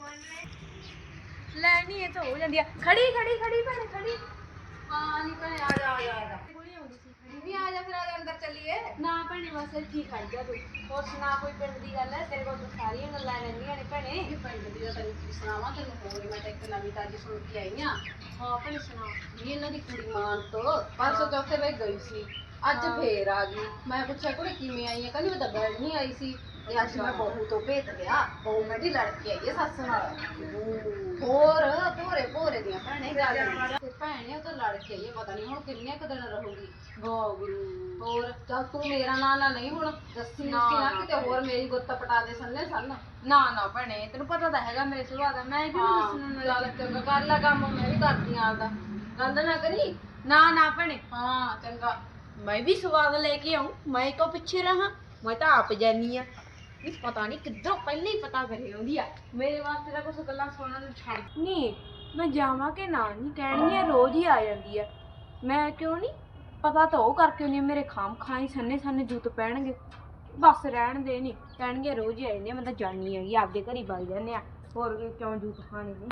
ਲੈ ਨਹੀਂ ਇਹ ਤਾਂ ਹੋ ਜਾਂਦੀ ਆ, ਖੜੀ ਖੜੀ ਖੜੀ ਭੈਣੇ ਖੜੀ। ਹਾਂ ਨਹੀਂ ਭੈਣੇ ਆ ਜਾ ਆ ਜਾ ਆ ਜਾ, ਕੁੜੀ ਆਉਂਦੀ ਸੀ ਖੜੀ ਵੀ, ਆ ਜਾ ਫਿਰ ਆ ਜਾ ਅੰਦਰ ਚੱਲੀਏ। ਨਾ ਭੈਣੇ ਬਸ ਇੱਥੇ ਖੜ ਜਾ ਤੂੰ, ਹੋਰ ਸੁਣਾ ਕੋਈ ਪਿੰਡ ਦੀ ਗੱਲ ਹੈ ਤੇਰੇ ਕੋਲ ਤਾਂ ਸਾਰੀਆਂ ਗੱਲਾਂ ਰਹਿੰਦੀਆਂ ਨੇ ਭੈਣੇ। ਇਹ ਪਿੰਡ ਦੀ ਤਾਂ ਤੈਨੂੰ ਕੀ ਸੁਣਾਵਾਂ, ਤੈਨੂੰ ਹੋਰ ਮੈਂ ਤਾਂ ਇੱਕ ਨਵੀਂ ਤਾਜੀ ਸੁਣ ਕੇ ਆਈ ਆ। ਹਾਂ ਭੈਣੇ ਸੁਣਾ। ਵੀ ਇਹਨਾਂ ਦੀ ਕੁੜੀ ਮਾਨ ਤੋਂ ਪਰਸੋਂ ਚੌਥੇ ਵੇ ਗਈ ਸੀ, ਅੱਜ ਫੇਰ ਆ ਗਈ। ਮੈਂ ਪੁੱਛਿਆ ਕੁੜੀ ਕਿਵੇਂ ਆਈ ਹੈ, ਕਹਿੰਦੀ ਮੈਂ ਤਾਂ ਬੈਠ ਨਹੀਂ ਆਈ ਸੀ, ਤੇ ਅੱਜ ਮੈਂ ਬਹੂ ਤੋਂ ਭੇਤ ਲਿਆ, ਬਹੂ ਮੇਰੀ ਲੜ ਕੇ ਆਈ ਹੈ ਸੱਸ ਨਾਲ। ਹੋਰ ਭੋਰੇ ਭੋਰੇ ਦੀਆਂ ਭੈਣੇ ਗੱਲ ਤੇ ਭੈਣੇ ਉਹ ਤਾਂ ਲੜ ਕੇ ਆਈ ਹੈ, ਪਤਾ ਨਹੀਂ ਹੁਣ ਕਿੰਨੇ ਕੁ ਦਿਨ ਰਹੂਗੀ। ਗੋਗਰੂ ਹੋਰ ਚੱਲ ਤੂੰ ਮੇਰਾ ਨਾਂ ਨਾ ਨਹੀਂ ਹੁਣ ਦੱਸੀ ਨਾ ਕਿਤੇ ਹੋਰ ਮੇਰੀ ਗੁੱਤ ਪਟਾ ਦੇ ਸੰਨੇ ਸੰਨ। ਨਾ ਨਾ ਭੈਣੇ ਤੈਨੂੰ ਪਤਾ ਤਾਂ ਹੈਗਾ ਮੇਰੇ ਸੁਭਾਅ ਦਾ, ਮੈਂ ਕਿਉਂ ਦੱਸਣਾ। ਚੱਲ ਚੰਗਾ ਕਰ ਲੈ ਕੰਮ, ਮੈਂ ਵੀ ਕਰਦੀ ਆਂ ਆਪਦਾ, ਗੱਲ ਨਾ ਕਰੀ। ਨਾ ਨਾ ਭੈਣੇ ਹਾਂ ਚੰਗਾ, ਮੈਂ ਵੀ ਸਵਾਦ ਲੈ ਕੇ ਆਉਂ, ਮੈਂ ਕਿਉਂ ਪਿੱਛੇ ਰਹਾਂ, ਮੈਂ ਤਾਂ ਆਪ ਜਾਨੀ ਆ। ਨਹੀਂ ਪਤਾ ਨਹੀਂ ਕਿੱਧਰੋਂ ਪਹਿਲਾਂ ਹੀ ਪਤਾ ਕਰੇ ਆਉਂਦੀ ਆ, ਮੇਰੇ ਵਾਸਤੇ ਤਾਂ ਕੁਛ ਗੱਲਾਂ ਸੁਣਨ ਨੂੰ ਛੱਡ।
ਨਹੀਂ ਮੈਂ ਜਾਵਾਂ ਕਿ ਨਾ, ਨਹੀਂ ਕਹਿਣੀ ਰੋਜ਼ ਹੀ ਆ ਜਾਂਦੀ ਆ, ਮੈਂ ਕਿਉਂ ਨਹੀਂ ਪਤਾ ਤਾਂ ਉਹ ਕਰਕੇ ਹੁੰਦੀ ਮੇਰੇ ਖਾਮ ਖਾਈ ਸੰਨੇ ਸੰਨੇ ਜੂਤ ਪੈਣਗੇ, ਬਸ ਰਹਿਣ ਦੇ। ਨਹੀਂ ਕਹਿਣਗੇ ਰੋਜ਼ ਹੀ ਆ ਜਾਂਦੀ ਆ, ਮੈਂ ਤਾਂ ਜਾਣੀ ਹੈਗੀ ਆਪਦੇ ਘਰ ਹੀ ਵਗ ਜਾਂਦੇ ਆ, ਹੋਰ ਕਿਉਂ ਜੂਤ ਖਾਣੇ ਨੇ।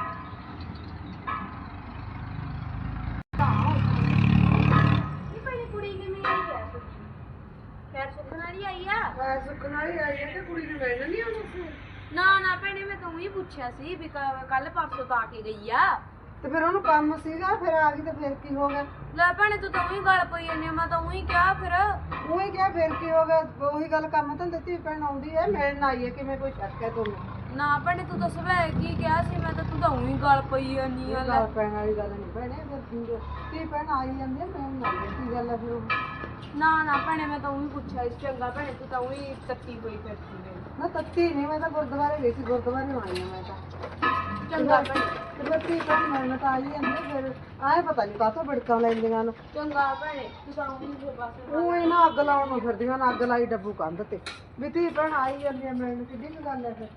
ਨਹੀਂ ਭਾਈ ਕੁੜੀ ਕਿਵੇਂ ਆਈ ਆ, ਖੈਰ ਸੁੱਖਣ ਵਾਲੀ ਆਈ ਆ।
ਸੁੱਕਣ ਵਾਲੀ ਆਈ ਹੈ ਕਿ ਕੁੜੀ ਨੂੰ ਮਿਲਣ ਨਹੀਂ ਆਉਂਦਾ ਸੀ?
ਨਾ ਨਾ ਭੈਣੇ ਮੈਂ ਤੂੰ ਹੀ ਪੁੱਛਿਆ ਸੀ ਵੀ ਕੱਲ ਪਰਸੋਂ ਤਾਂ ਆ ਕੇ ਗਈ ਆ।
ਤੇ ਫਿਰ ਉਹਨੂੰ ਕੰਮ ਸੀਗਾ, ਫਿਰ ਆ ਗਈ ਤੇ ਫਿਰ ਕੀ ਹੋ ਗਿਆ?
ਲੈ ਭੈਣੇ ਤੂੰ ਤਾਂ ਉਹੀ ਗੱਲ ਪਈ ਜਾਂਦੀ ਆ, ਮੈਂ ਤਾਂ ਉਹੀ ਕਿਹਾ ਫਿਰ।
ਉਹੀ ਕਿਹਾ ਫਿਰ ਕੀ ਹੋ ਗਿਆ? ਉਹੀ ਗੱਲ, ਕੰਮ ਤਾਂ ਦਿੱਤੀ ਭੈਣ ਆਉਂਦੀ ਹੈ, ਮਿਲਣ ਆਈ ਹੈ, ਕਿਵੇਂ ਕੋਈ ਸ਼ੱਕ ਹੈ ਤੁਹਾਨੂੰ?
ਨਾ ਭੈਣੇ ਤੂੰ ਤਾਂ ਸਵੇਰ ਕੀ ਕਿਹਾ ਸੀ, ਮੈਂ ਤਾਂ ਤੂੰ ਤਾਂ ਉਹੀ ਗੱਲ ਪਈ ਜਾਂਦੀ ਆ।
ਗੱਲ ਪੈਣ ਵਾਲੀ ਗੱਲ ਨਹੀਂ ਭੈਣੇ, ਫਿਰ ਕੀ ਭੈਣ ਆਈ ਜਾਂਦੀ ਹੈ, ਮਿਲਣ ਆਈ ਹੈ, ਕੀ ਗੱਲ ਹੈ ਫਿਰ ਉਹ?
ਨਾ ਨਾ ਭੈਣੇ ਮੈਂ ਤਾਂ ਉਹੀ ਪੁੱਛਿਆ ਸੀ। ਚੰਗਾ ਭੈਣੇ ਤੂੰ ਤਾਂ ਉਹੀ ਤੱਤੀ ਹੋਈ ਫਿਰਦੀ ਨੇ।
ਮੈਂ ਤੱਤੀ ਨਹੀਂ, ਮੈਂ ਤਾਂ ਗੁਰਦੁਆਰੇ ਗਈ ਸੀ, ਗੁਰਦੁਆਰੇ ਆਈ ਹਾਂ ਮੈਂ ਤਾਂ।
ਚੰਗਾ ਭੈਣੇ
ਤੇ ਫਿਰ ਕੀ ਭੈਣ ਮਿਲਣ ਤਾਂ ਆਈ ਜਾਂਦੀ ਹੈ, ਫਿਰ ਆਏ ਪਤਾ ਨਹੀਂ ਕਾਹਤੋਂ ਬਿੜਕਾਂ ਲੈਂਦੀਆਂ ਨੂੰ।
ਚੰਗਾ ਭੈਣੇ ਤੂੰ ਤਾਂ ਉਹੀ ਫਿਰ ਬਸ।
ਉਹ ਇਹਨਾਂ ਅੱਗ ਲਾਉਣ ਨੂੰ ਫਿਰਦੀਆਂ ਨੇ, ਅੱਗ ਲਾਈ ਡੱਬੂ ਕੰਧ ਤੇ ਵੀ ਧੀ ਭੈਣ ਆਈ ਜਾਂਦੀ ਹੈ ਮਿਲਣ, ਕਿੱਡੀ ਕੁ ਗੱਲ ਹੈ ਫਿਰ।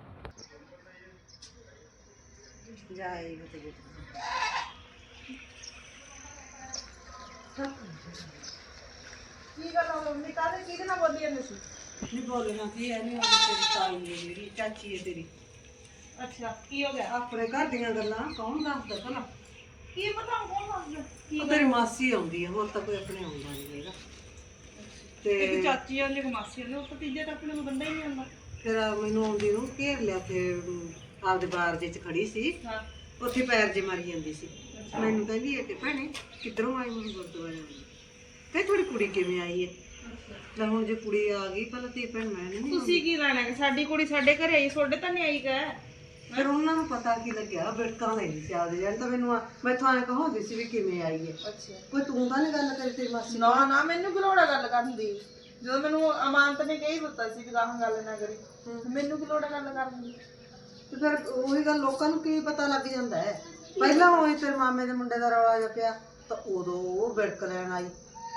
ਜਾਈ ਕੀ ਗੱਲ ਹੋ ਗਈ? ਕਾਹਦੇ ਕਿਹਦੇ ਨਾਲ ਬੋਲੀ ਜਾਂਦੀ ਸੀ? ਨਹੀਂ ਬੋਲਣਾ ਕੀ ਹੈ, ਨਹੀਂ ਉਹ ਤੇਰੀ ਤਾਈ ਹੈ ਜਿਹੜੀ ਚਾਚੀ ਹੈ ਤੇਰੀ।
ਅੱਛਾ ਕੀ ਹੋ ਗਿਆ?
ਆਪਣੇ ਘਰ ਦੀਆਂ ਗੱਲਾਂ ਕੌਣ ਦੱਸਦਾ ਭਲਾ?
ਕੀ ਪਤਾ ਕੌਣ ਦੱਸਦਾ?
ਉਹ ਤੇਰੀ ਮਾਸੀ ਆਉਂਦੀ ਹੈ, ਹੋਰ ਤਾਂ ਕੋਈ ਆਪਣੇ ਆਉਂਦਾ ਨਹੀਂ ਹੈਗਾ। ਤੇ
ਚਾਚੀ ਆਉਂਦੀ ਇੱਕ ਮਾਸੀ ਆਉਂਦੀ, ਉਹ ਭਤੀਜੇ ਤਾਂ ਆਪਣੇ ਨੂੰ ਬੰਦਾ ਹੀ ਨਹੀਂ ਆਉਂਦਾ।
ਫਿਰ ਮੈਨੂੰ ਆਉਂਦੀ ਨੂੰ ਘੇਰ ਲਿਆ, ਫਿਰ ਆਪਦੇ ਬਾਰ ਦੇ ਚ ਖੜੀ ਸੀ,
ਹਾਂ
ਉੱਥੇ ਪੈਰ ਜੇ ਮਾਰੀ ਜਾਂਦੀ ਸੀ। ਮੈਨੂੰ ਕਹਿੰਦੀ ਹੈ ਕਿ ਭੈਣੇ ਕਿੱਧਰੋਂ ਆਈ? ਮੈਨੂੰ ਗੁਰਦੁਆਰੇ ਆਈ ਤੇ ਥੋੜੀ ਕੁੜੀ ਕਿਵੇਂ ਆਈ ਹੈ? ਲੈ ਹੁਣ ਜੇ ਕੁੜੀ ਆ ਗਈ ਪਹਿਲਾਂ ਧੀ ਭੈਣ ਮੈਂ ਨਹੀਂ।
ਤੁਸੀਂ ਕੀ ਲੈਣਾ ਕਿ ਸਾਡੀ ਕੁੜੀ ਸਾਡੇ ਘਰੇ ਆਈ, ਤੁਹਾਡੇ ਤਾਂ ਨਹੀਂ ਆਈ ਗਾ।
ਫਿਰ ਉਹਨਾਂ ਨੂੰ ਪਤਾ ਕੀ ਲੱਗਿਆ, ਬਿੜਕਾਂ ਲੈਂਦੀ ਸੀ ਆਪਦੇ ਜਾਨ ਤਾਂ ਮੈਨੂੰ ਮੈਥੋਂ ਐਂ ਕਹਾਉਂਦੀ ਸੀ ਵੀ ਕਿਵੇਂ ਆਈ ਹੈ।
ਅੱਛਾ
ਕੋਈ ਤੂੰ ਤਾਂ ਨਹੀਂ ਗੱਲ ਕਰੀ ਤੇਰੀ ਮਾਸੀ?
ਨਾ ਨਾ ਮੈਨੂੰ ਕੀ ਲੋੜ ਹੈ ਗੱਲ ਕਰਨ ਦੀ, ਜਦੋਂ ਮੈਨੂੰ ਅਮਾਨਤ ਨੇ ਕਹੀ ਦਿੱਤਾ ਸੀ ਕਿ ਗਾਹਾਂ ਗੱਲ ਨਾ ਕਰੀ, ਮੈਨੂੰ ਕੀ ਲੋੜ ਹੈ ਗੱਲ ਕਰਨ ਦੀ।
ਤੇ ਫਿਰ ਉਹੀ ਗੱਲ, ਲੋਕਾਂ ਨੂੰ ਕੀ ਪਤਾ ਲੱਗ ਜਾਂਦਾ ਹੈ। ਪਹਿਲਾਂ ਹੋਈ ਤੇਰੇ ਮਾਮੇ ਦੇ ਮੁੰਡੇ ਦਾ ਰੌਲਾ ਜਿਹਾ ਪਿਆ ਤਾਂ ਉਦੋਂ ਉਹ ਬਿੜਕ ਲੈਣ ਆਈ,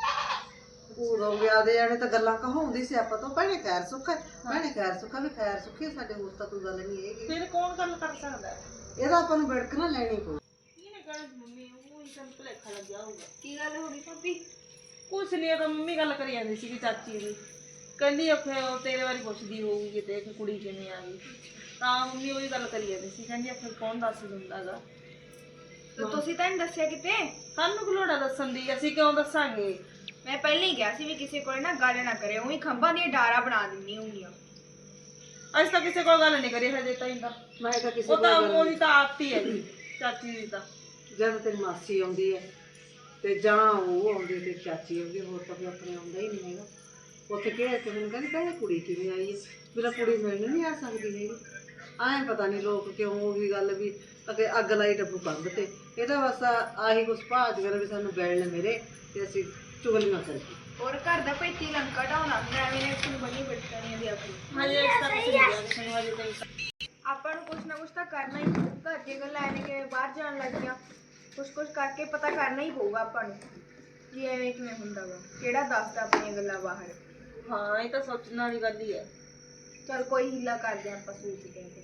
ਉਦੋਂ ਵਿਆਹ ਦੇ ਜਾਣੇ ਤਾਂ ਗੱਲਾਂ ਕਹਾਉਂਦੀ ਸੀ ਆਪਾਂ ਤੋਂ, ਭੈਣੇ ਖੈਰ ਸੁੱਖ ਹੈ, ਭੈਣੇ ਖੈਰ ਸੁੱਖਾ, ਵੀ ਖੈਰ ਸੁੱਖੀ ਸਾਡੇ ਹੋਰ ਤਾਂ ਕੋਈ ਗੱਲ ਨਹੀਂ ਹੈਗੀ।
ਫਿਰ ਕੌਣ ਗੱਲ ਕਰ ਸਕਦਾ ਹੈ?
ਇਹਦਾ ਆਪਾਂ ਨੂੰ ਬਿੜਕ ਨਾ ਲੈਣੀ ਪਊ।
ਇਹਨੇ ਕਹਿਣਾ ਮੰਮੀ ਉਹ ਹੀ ਸਾਨੂੰ ਭੁਲੇਖਾ ਲੱਗਿਆ ਹੋਊਗਾ।
ਕੀ ਗੱਲ ਹੋ ਗਈ ਭਾਬੀ?
ਕੁਛ ਨਹੀਂ, ਉਹ ਤਾਂ ਮੰਮੀ ਗੱਲ ਕਰੀ ਜਾਂਦੀ ਸੀ ਕਿ ਚਾਚੀ ਦੀ, ਕਹਿੰਦੀ ਉੱਥੇ ਉਹ ਤੇਰੇ ਬਾਰੇ ਪੁੱਛਦੀ ਹੋਊਗੀ ਕਿਤੇ ਕਿ ਕੁੜੀ ਕਿਵੇਂ ਆ ਗਈ, ਤਾਂ ਮੰਮੀ ਉਹੀ ਗੱਲ ਕਰੀ ਜਾਂਦੀ ਸੀ, ਕਹਿੰਦੀ ਆਖਰ ਕੌਣ ਦੱਸ ਦਿੰਦਾ ਗਾ।
ਤੇ ਤੁਸੀਂ ਤਾਂ ਨਹੀਂ ਦੱਸਿਆ ਕਿਤੇ?
ਸਾਨੂੰ ਕੀ ਲੋੜ ਆ ਦੱਸਣ ਦੀ, ਅਸੀਂ ਕਿਉਂ ਦੱਸਾਂਗੇ?
ਮੈਂ ਪਹਿਲਾਂ ਹੀ ਕਿਹਾ ਸੀ ਵੀ ਕਿਸੇ ਕੋਲ ਨਾ ਗੱਲ ਨਾ ਕਰੇ, ਉਹੀ ਖੰਭਾਂ ਦੀਆਂ ਡਾਰਾ ਬਣਾ ਦਿੰਨੀ ਹੁੰਦੀਆਂ।
ਅਸੀਂ ਤਾਂ ਕਿਸੇ ਕੋਲ ਗੱਲ ਨਹੀਂ ਕਰੀ ਹਜੇ ਤਾਈਂ ਤਾਂ,
ਮੈਂ ਤਾਂ ਕਿਸੇ
ਉਹ ਤਾਂ
ਕੋਲ ਗੱਲ
ਉਹਦੀ ਤਾਂ ਆਦਤ ਹੀ ਹੈ ਜੀ ਚਾਚੀ ਦੀ ਤਾਂ।
ਜਦ ਤੇਰੀ ਮਾਸੀ ਆਉਂਦੀ ਹੈ ਤੇ ਜਾਂ ਉਹ ਆਉਂਦੀ ਤੇ ਚਾਚੀ ਆਉਂਦੀ, ਹੋਰ ਤਾਂ ਕੋਈ ਆਪਣੇ ਆਉਂਦਾ ਹੀ ਨਹੀਂ ਹੈਗਾ। ਉੱਥੇ ਕਿਹਾ ਤੇ ਮੈਨੂੰ ਕਹਿੰਦੀ ਭੈਣੇ ਕੁੜੀ ਕਿਵੇਂ ਆਈ ਹੈ? ਮੇਰਾ ਕੁੜੀ ਮਿਲਣ ਨਹੀਂ ਆ ਸਕਦੀ ਹੈਗੀ। ਐਂ ਪਤਾ ਨਹੀਂ ਲੋਕ ਕਿਉਂ ਉਹੀ ਗੱਲ ਵੀ ਅੱਗੇ ਅੱਗ ਲਾਈ ਡੱਬੂ ਕੰਧ ਤੇ, ਇਹਦਾ ਬਸ ਆਹੀ ਕੁਛ ਭਾਜ ਕਰ ਵੀ ਸਾਨੂੰ ਬੈਲਣ ਮੇਰੇ ਤੇ ਅਸੀਂ ਚੁਗਲੀਆਂ ਕਰੀਏ।
ਔਰ ਘਰ ਦਾ ਭੇਤੀ ਲੰਕਾ ਢਾਉਣਾ ਹੁੰਦਾ, ਐਵੇਂ ਨੇ ਤੁਹਾਨੂੰ ਬਣੀ ਬਿਟਕਣੀਆਂ ਦੀ ਆਪਣੀ।
ਹਜੇ ਇਸ ਤੱਕ ਨਹੀਂ ਗਿਆ ਕਿਸੇ ਨੂੰ, ਹਜੇ ਤਾਈਂ
ਆਪਾਂ ਨੂੰ ਕੁਛ ਨਾ ਕੁਛ ਤਾਂ ਕਰਨਾ ਹੀ, ਘਰ ਦੀਆਂ ਗੱਲਾਂ ਐਵੇਂ ਕਿਵੇਂ ਬਾਹਰ ਜਾਣ ਲੱਗ ਗਿਆ, ਕੁਛ ਕਰਕੇ ਪਤਾ ਕਰਨਾ ਹੀ ਪਊਗਾ ਆਪਾਂ ਨੂੰ ਵੀ ਐਵੇਂ ਕਿਵੇਂ ਹੁੰਦਾ ਵਾ, ਕਿਹੜਾ ਦੱਸਦਾ ਆਪਣੀਆਂ ਗੱਲਾਂ ਬਾਹਰ।
ਹਾਂ ਇਹ ਤਾਂ ਸੋਚਣ ਵਾਲੀ ਗੱਲ ਹੀ ਹੈ।
ਚਲ ਕੋਈ ਹੀਲਾ ਕਰਦੇ ਆਪਾਂ, ਸੋਚਦੇ ਹਾਂ।